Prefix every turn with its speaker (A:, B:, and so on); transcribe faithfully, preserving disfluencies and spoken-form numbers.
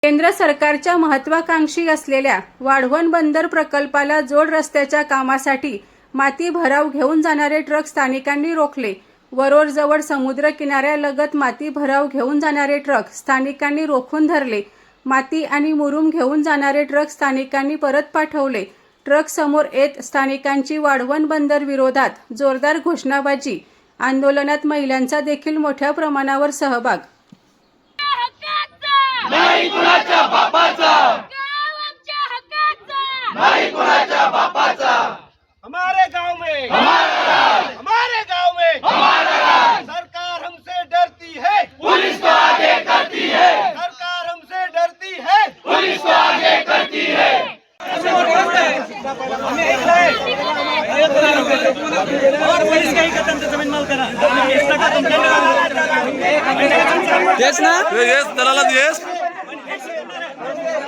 A: केंद्र सरकारच्या महत्त्वाकांक्षी असलेल्या वाढवण बंदर प्रकल्पाला जोड रस्त्याच्या कामासाठी माती भराव घेऊन जाणारे ट्रक स्थानिकांनी रोखले। वरोरजवळ समुद्र किनाऱ्यालगत माती भराव घेऊन जाणारे ट्रक स्थानिकांनी रोखून धरले। माती आणि मुरुम घेऊन जाणारे ट्रक स्थानिकांनी परत पाठवले। ट्रक समोर येत स्थानिकांची वाढवण बंदर विरोधात जोरदार घोषणाबाजी। आंदोलनात महिलांचा देखील मोठ्या प्रमाणावर सहभाग।
B: नाही कुणाच्या बापाचा,
C: गाव आमच्या हक्काचा,
B: नाही कुणाच्या बापाचा।
D: हमारे गांव में
B: हमारा राज,
D: हमारे गांव में
B: हमारा राज।
D: सरकार हमसे डरती है,
B: पुलिस तो आगे करती है,
D: सरकार हमसे डरती है।
B: पुलिस तो आगे करती है।
D: और पुलिस का ही कदम से जमीन माल करा
E: येस ना
F: येस दलाला येस